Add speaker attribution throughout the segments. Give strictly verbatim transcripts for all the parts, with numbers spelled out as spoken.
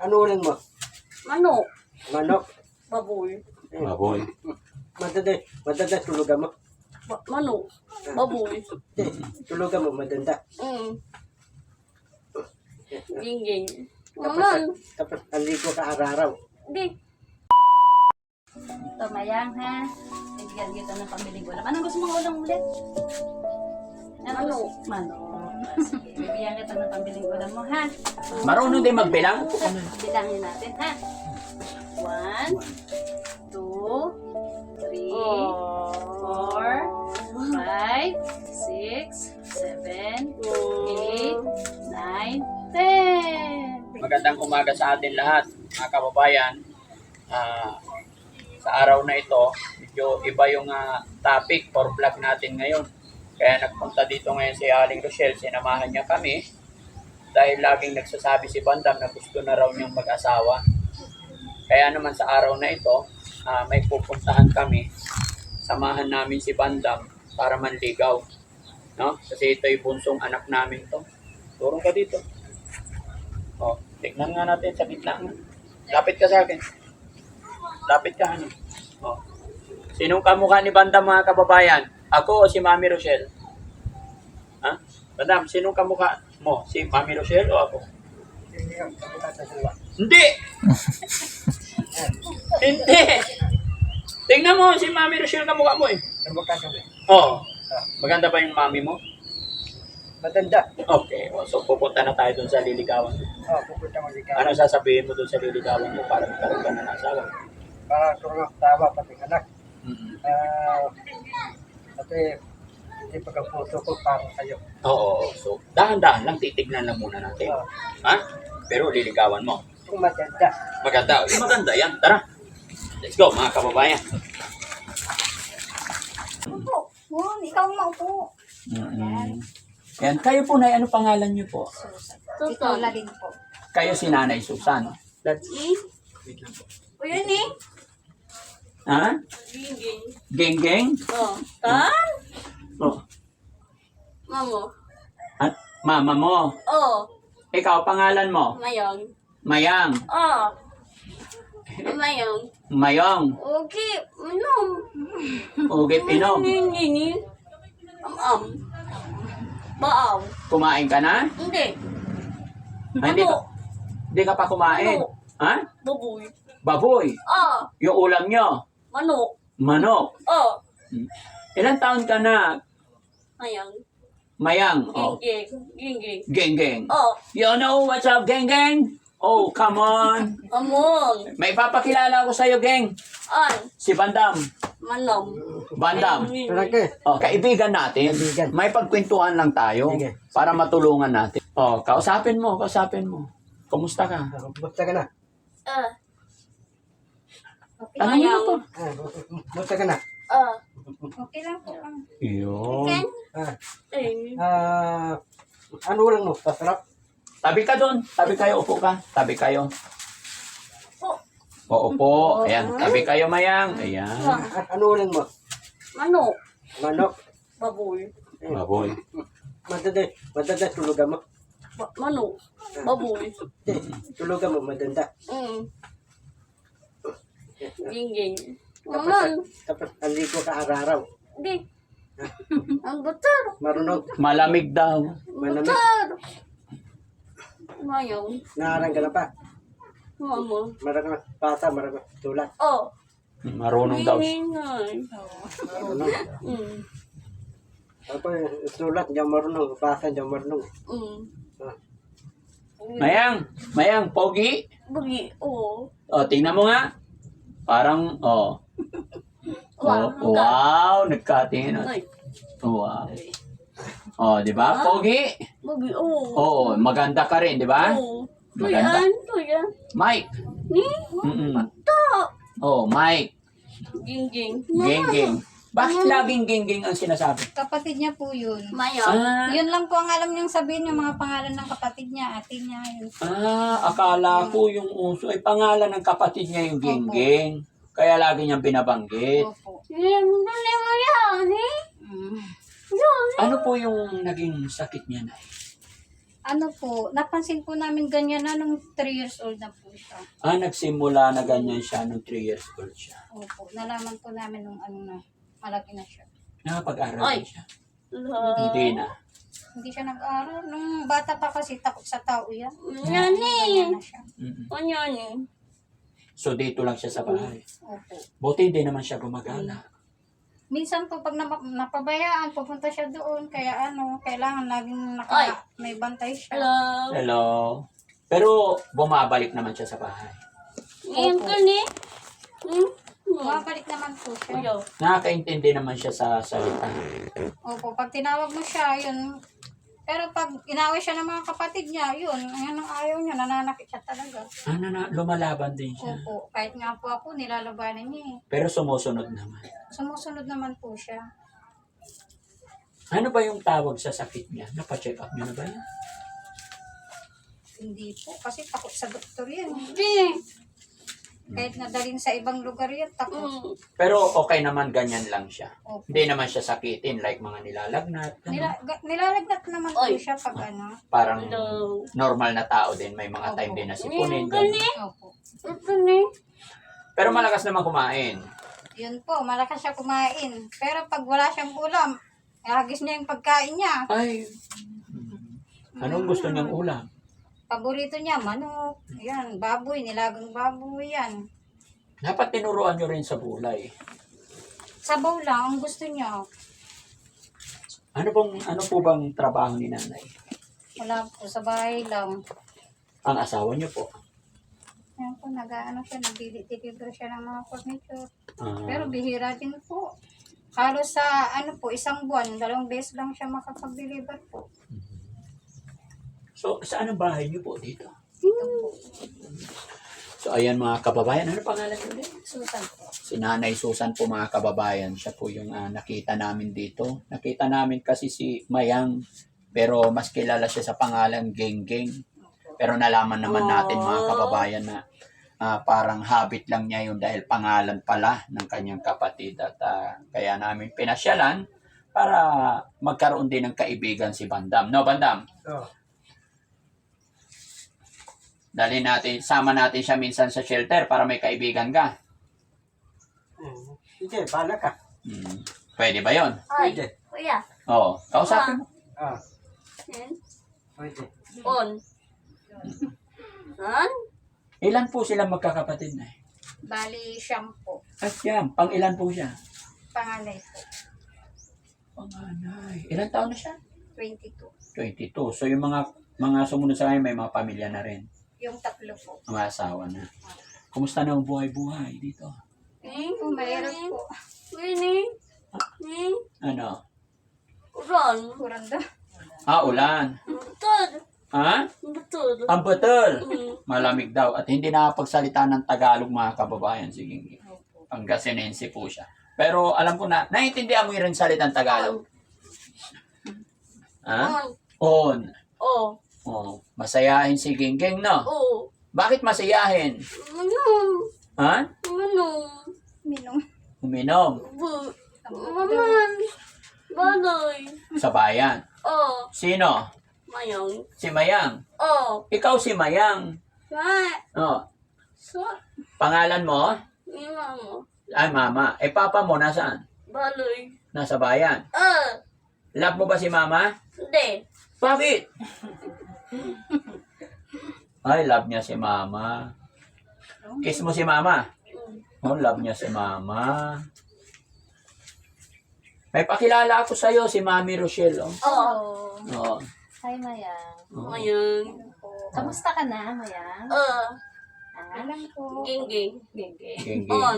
Speaker 1: Ano uling mo?
Speaker 2: Manok.
Speaker 1: Manok?
Speaker 2: Baboy.
Speaker 3: Baboy.
Speaker 1: Madada, madada tulugan mo.
Speaker 2: Ba manok. Baboy.
Speaker 1: Eh, tulugan mo, madanda.
Speaker 2: Mm. Gingging.
Speaker 1: Tapos,
Speaker 2: Naman.
Speaker 1: tapos aligo ka araw-araw.
Speaker 2: Di. Ito, Mayang, ha? Bigyan kita ng pambiling ulam. Anong gusto mong ulam ulit? Manok. Manok. Sige, bibigyan kita ng pambiling ulam mo, ha?
Speaker 3: Marunong din magbilang?
Speaker 2: Bilangin natin, ha? One, two, three, four, five, six, seven, eight, nine, ten.
Speaker 3: Magandang umaga sa atin lahat, mga kababayan. Ah, sa araw na ito, medyo iba yung ah, topic for vlog natin ngayon. Kaya nagpunta dito ngayon si Aling Rochelle, sinamahan niya kami dahil laging nagsasabi si Bandam na gusto na raw niyang mag-asawa. Kaya naman sa araw na ito, ah, may pupuntahan kami. Samahan namin si Bandam para manligaw. No? Kasi ito yung bunsong anak namin to. Turong ka dito. Oh, tignan nga natin sa gitna nga. Lapit ka sa akin. Lapit ka, ano? Oh. Sinong kamukha ni Bandam, mga kababayan? Ako o si Mami Rochelle? Ha? Bandam, sinong kamukha mo? Si Mami Rochelle o ako? Hindi! Hindi! Tingnan mo, si Mami Rochelle kamukha mo eh.
Speaker 1: Kamukha kami.
Speaker 3: Oo. Maganda ba yung mami mo?
Speaker 1: Madanda.
Speaker 3: Okay. So, pupunta na tayo dun sa liligawan.
Speaker 1: Oh, pupunta mo dito.
Speaker 3: Ano sasabihin mo dun sa liligawan mo para magkaroon ka na ng asawa?
Speaker 1: Para turang tawa pati anak.
Speaker 3: Mm-hmm.
Speaker 1: Ah, pati hindi pagkapuso ko para sa'yo.
Speaker 3: Oo. So, dahan-dahan lang, titignan lang muna natin.
Speaker 1: Oh,
Speaker 3: Ha? Pero liligawan mo.
Speaker 1: kung madanda.
Speaker 3: Maganda. Eh, maganda yan. Tara. Let's go, mga kababayan.
Speaker 2: Opo. Oh, ikaw maupo.
Speaker 3: Mm-hmm. Yan. Kayo po, Nay, ano pangalan niyo po?
Speaker 2: Ikaw la din po.
Speaker 3: Kayo si Nanay Susan.
Speaker 1: That's
Speaker 2: Eh?
Speaker 1: wait lang po.
Speaker 2: O yun eh.
Speaker 3: Ha?
Speaker 2: Gingging.
Speaker 3: Geng-geng?
Speaker 2: Oh. Tan?
Speaker 3: Oh.
Speaker 2: Mamo.
Speaker 3: At mama mo.
Speaker 2: Oh.
Speaker 3: Ikaw, pangalan mo?
Speaker 2: Mayong.
Speaker 3: Mayang.
Speaker 2: Oh. Mayong.
Speaker 3: Mayong.
Speaker 2: Okay. Manom.
Speaker 3: Ugip inom.
Speaker 2: Gingging. Am-am. Baaw.
Speaker 3: Kumain ka na?
Speaker 2: Hindi.
Speaker 3: Ah, hindi ka,
Speaker 2: Ano?
Speaker 3: hindi ka pa kumain.
Speaker 2: Ano?
Speaker 3: Ha?
Speaker 2: Baboy.
Speaker 3: Baboy.
Speaker 2: Ah.
Speaker 3: Yung ulam nyo.
Speaker 2: Manok.
Speaker 3: Manok.
Speaker 2: Oh.
Speaker 3: Ilan taon ka na?
Speaker 2: Mayang.
Speaker 3: Mayang. Oh.
Speaker 2: Gingging. Gingging.
Speaker 3: Geng-geng.
Speaker 2: Oh.
Speaker 3: You know what's up, geng-geng? Oh, come on.
Speaker 2: Amon.
Speaker 3: May papakilala ko sa'yo, geng.
Speaker 2: An.
Speaker 3: Si Bandam.
Speaker 2: Manom.
Speaker 3: Bandam.
Speaker 1: Tara ka.
Speaker 3: Oh, kaibigan natin.
Speaker 1: Kaibigan.
Speaker 3: May pagkwentuhan lang tayo
Speaker 1: Sige.
Speaker 3: para matulungan natin. Oh, kausapin mo, kausapin mo. Kumusta ka?
Speaker 1: Basta ka na.
Speaker 2: Ah.
Speaker 3: Ano mo na to?
Speaker 1: Ah, basta ka na.
Speaker 2: Ah.
Speaker 4: Okay lang po. ah.
Speaker 3: Yun.
Speaker 2: Ken?
Speaker 1: Ah,
Speaker 2: Eh.
Speaker 1: ah, ano lang mo? Pasarap?
Speaker 3: Tabi ka doon. Tabi kayo, upo ka. Tabi kayo.
Speaker 2: Po.
Speaker 3: Oo po. Ayan, tabi kayo, Mayang. Ayan.
Speaker 1: Ah, ano lang mo?
Speaker 2: Manok.
Speaker 1: Manok?
Speaker 2: Baboy.
Speaker 3: Baboy.
Speaker 1: Madada, madada tulugan mo.
Speaker 2: Ba manok. Baboy.
Speaker 1: Eh, tulugan mo, madanda.
Speaker 2: Mm. Gingging.
Speaker 1: Tapos,
Speaker 2: Naman.
Speaker 1: tapos aligo ka araw-araw.
Speaker 2: Di. Ang butar.
Speaker 1: Marunong,
Speaker 3: Malamig daw.
Speaker 1: Malamig.
Speaker 2: Butar. Mayong.
Speaker 1: naarang ka na pa.
Speaker 2: Mama.
Speaker 1: Marang bata, marang tulad.
Speaker 2: Oh.
Speaker 3: Marunong daw.
Speaker 2: Ginggingay.
Speaker 1: Marunong.
Speaker 2: Mm.
Speaker 1: Ako, sulat, diyan marunong. Basa, diyan marunong.
Speaker 2: Mm.
Speaker 1: Ah,
Speaker 3: Mayang, Mayang, pogi.
Speaker 2: Bagi. Oh.
Speaker 3: O, tingnan mo nga. Parang, oh.
Speaker 2: Wow.
Speaker 3: Oh, wow, nagkatingin.
Speaker 2: Ay.
Speaker 3: Wow. Oh, di ba? Pogi.
Speaker 2: Bagi. Oh.
Speaker 3: Oo, maganda ka rin, di ba?
Speaker 2: Oh.
Speaker 3: Maganda.
Speaker 2: Tuyan. Tuyan.
Speaker 3: Mike.
Speaker 2: Ni.
Speaker 3: Mm-mm.
Speaker 2: Ta.
Speaker 3: Oh, Mike.
Speaker 2: Gingging.
Speaker 3: Geng-geng. Bakit laging geng-geng ang sinasabi?
Speaker 4: Kapatid niya po yun.
Speaker 2: Mayang.
Speaker 3: Ah,
Speaker 4: Yun lang po ang alam niyang sabihin yung mga pangalan ng kapatid niya, ate niya. Yun.
Speaker 3: ah, akala ko yung uso ay pangalan ng kapatid niya yung geng-geng. Kaya lagi niyang binabanggit.
Speaker 4: Opo.
Speaker 2: Yan. Dali mo yan. Eh.
Speaker 4: Mm.
Speaker 2: Yan.
Speaker 3: Ano po yung naging sakit niya na?
Speaker 4: Ano po, napansin po namin ganyan na nung three years old na po siya.
Speaker 3: Ah, nagsimula na ganyan siya nung three years old siya.
Speaker 4: Opo, nalaman po namin nung ano na, malaki na siya.
Speaker 3: Nakapag-aral
Speaker 2: Oy.
Speaker 3: din siya.
Speaker 2: Hello.
Speaker 3: Hindi na.
Speaker 4: Hindi siya nag-aaral. Nung bata pa kasi takot sa tao yan.
Speaker 2: Nani.
Speaker 4: Ganyan na siya.
Speaker 3: Mm-mm.
Speaker 2: O nani.
Speaker 3: So dito lang siya sa bahay.
Speaker 4: Opo.
Speaker 3: Buti hindi naman siya gumagala.
Speaker 4: Minsan po pag napa- napabayaan, pupunta siya doon. Kaya ano, kailangan laging
Speaker 2: Ay.
Speaker 4: naka, may bantay siya.
Speaker 2: Hello.
Speaker 3: Hello. Pero bumabalik naman siya sa bahay.
Speaker 2: Ngayon ka ni. Hmm?
Speaker 4: Bumabalik naman po siya.
Speaker 2: Hello.
Speaker 3: Nakakaintindi naman siya sa salita.
Speaker 4: Opo, pag tinawag mo siya, yun. Pero pag inaway siya ng mga kapatid niya, yun, yan ang ayaw niya, nananakit siya talaga.
Speaker 3: Ano na, lumalaban din siya.
Speaker 4: Opo, kahit nga po ako, nilalabanan niya eh.
Speaker 3: Pero sumusunod naman.
Speaker 4: Sumusunod naman po siya.
Speaker 3: Ano ba yung tawag sa sakit niya? Napa-check up niyo na ba yan?
Speaker 4: Hindi po, kasi takot sa doktor yan.
Speaker 2: Hindi.
Speaker 4: Kahit nadalhin sa ibang lugar yan, takot.
Speaker 2: Hmm.
Speaker 3: Pero okay naman, ganyan lang siya.
Speaker 4: Opo.
Speaker 3: Hindi naman siya sakitin like mga nilalagnat. ano.
Speaker 4: Nila, ga- nilalagnat naman po
Speaker 2: Oy.
Speaker 4: siya pag ano.
Speaker 3: Parang
Speaker 2: Hello.
Speaker 3: normal na tao din. May mga time
Speaker 4: Opo.
Speaker 3: din na sipunin.
Speaker 2: Ngayon ka ni.
Speaker 3: ganun.
Speaker 4: Opo.
Speaker 2: Ito ni.
Speaker 3: Pero malakas naman kumain.
Speaker 4: Yun po, malakas siya kumain. Pero pag wala siyang ulam, hagis niya yung pagkain niya.
Speaker 3: Ay. Anong gusto niyang ulam?
Speaker 4: Paborito niya, manok. Yan, baboy, nilagang baboy yan.
Speaker 3: Dapat tinuruan niyo rin sa bulay.
Speaker 4: Sabaw lang, ang gusto niya.
Speaker 3: Ano bang ano po bang trabaho ni nanay?
Speaker 4: Wala po, sa bahay lang.
Speaker 3: Ang asawa niyo po.
Speaker 4: Yan po, nag-ano siya, nag-deliver siya ng mga furniture.
Speaker 3: Ah,
Speaker 4: Pero bihira din po. Halos sa, ano po, isang buwan, dalawang beses lang siya makapag-deliver po.
Speaker 3: so, saan ang bahay niyo po dito?
Speaker 4: Ito po,
Speaker 3: So, ayan mga kababayan. Ano pangalan niyo ulit?
Speaker 4: Susan po.
Speaker 3: Si Nanay Susan po mga kababayan. Siya po yung ah, nakita namin dito. Nakita namin kasi si Mayang. Pero mas kilala siya sa pangalan Geng Geng. Pero nalaman naman natin mga kababayan na ah, parang habit lang niya yun dahil pangalan pala ng kanyang kapatid. At ah, kaya namin pinasyalan para magkaroon din ng kaibigan si Bandam. No, Bandam?
Speaker 1: Oh.
Speaker 3: Dali natin, sama natin siya minsan sa shelter para may kaibigan ka.
Speaker 1: Mm. Sige, bala ka.
Speaker 3: Hmm. Pwede ba yon?
Speaker 2: Ay.
Speaker 1: Pwede.
Speaker 2: Kuya.
Speaker 3: Oo. Kausapin mo.
Speaker 1: Ah,
Speaker 2: Yan.
Speaker 1: pwede.
Speaker 2: On. Han?
Speaker 3: Ilan po sila magkakapatid na?
Speaker 4: Bali, siyam po.
Speaker 3: At yan, pang ilan po siya?
Speaker 4: Panganay po.
Speaker 3: Panganay. Ilan taon na siya?
Speaker 4: twenty-two.
Speaker 3: twenty-two. So yung mga mga sumunod sa kanya may mga pamilya na rin.
Speaker 4: Yung tatlo po.
Speaker 3: Mga asawa na. Kumusta na ang buhay-buhay dito?
Speaker 2: Ni.
Speaker 4: Oh, mahirap po.
Speaker 2: Ni. Ni.
Speaker 3: Ano?
Speaker 2: Ron.
Speaker 4: Kurang daw.
Speaker 3: Ah, ulan.
Speaker 2: Betul.
Speaker 3: Ha?
Speaker 2: Betul.
Speaker 3: Ang batal.
Speaker 2: Hmm.
Speaker 3: Malamig daw. At hindi nakapagsalita ng Tagalog mga kababayan. Sige. Pangasinense po siya. Pero alam ko na, naiintindihan mo rin salitang Tagalog. Ha?
Speaker 2: On.
Speaker 3: On.
Speaker 2: Oh.
Speaker 3: Oh, masayahin si Gingging, no?
Speaker 2: Oh.
Speaker 3: Bakit masayahin?
Speaker 2: Minum.
Speaker 3: Ha?
Speaker 2: Minum.
Speaker 4: Minum.
Speaker 3: Uminom
Speaker 2: Bu. Maman. Baloy.
Speaker 3: sa bayan.
Speaker 2: Oh.
Speaker 3: Sino?
Speaker 2: Mayong.
Speaker 3: Si Mayang.
Speaker 2: Oh.
Speaker 3: Ikaw si Mayang.
Speaker 2: Sa.
Speaker 3: Oh,
Speaker 2: Sa.
Speaker 3: pangalan mo?
Speaker 2: Mima mo.
Speaker 3: Ay, mama. Eh, papa mo, nasaan?
Speaker 2: Baloy.
Speaker 3: Nasa bayan.
Speaker 2: Ah.
Speaker 3: Love mo ba si mama?
Speaker 2: Hindi.
Speaker 3: Bakit? Ay, love niya si mama. Kiss mo si mama. Oh, love niya si mama. May pakilala ako sa'yo, si Mami Rochelle. Oh.
Speaker 2: Oh.
Speaker 3: Oo.
Speaker 5: Hi, Mayang.
Speaker 3: Oo.
Speaker 2: Mayang.
Speaker 5: Kamusta ka na, Mayang?
Speaker 2: Ah.
Speaker 5: Ah,
Speaker 4: Alam ko.
Speaker 2: Gingging.
Speaker 5: genge.
Speaker 3: Gingging.
Speaker 2: On.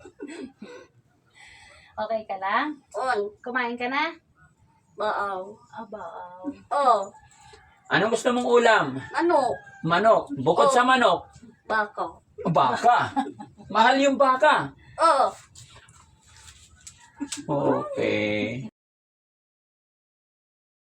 Speaker 5: Okay ka lang?
Speaker 2: On.
Speaker 5: Kumain ka na?
Speaker 2: Baaw.
Speaker 5: Aba,
Speaker 2: Oh.
Speaker 3: Anong gusto mong ulam?
Speaker 2: Ano?
Speaker 3: Manok. Bukod
Speaker 2: Oh.
Speaker 3: sa manok,
Speaker 2: Baka.
Speaker 3: baka. Mahal yung baka.
Speaker 2: Oh.
Speaker 3: Okay.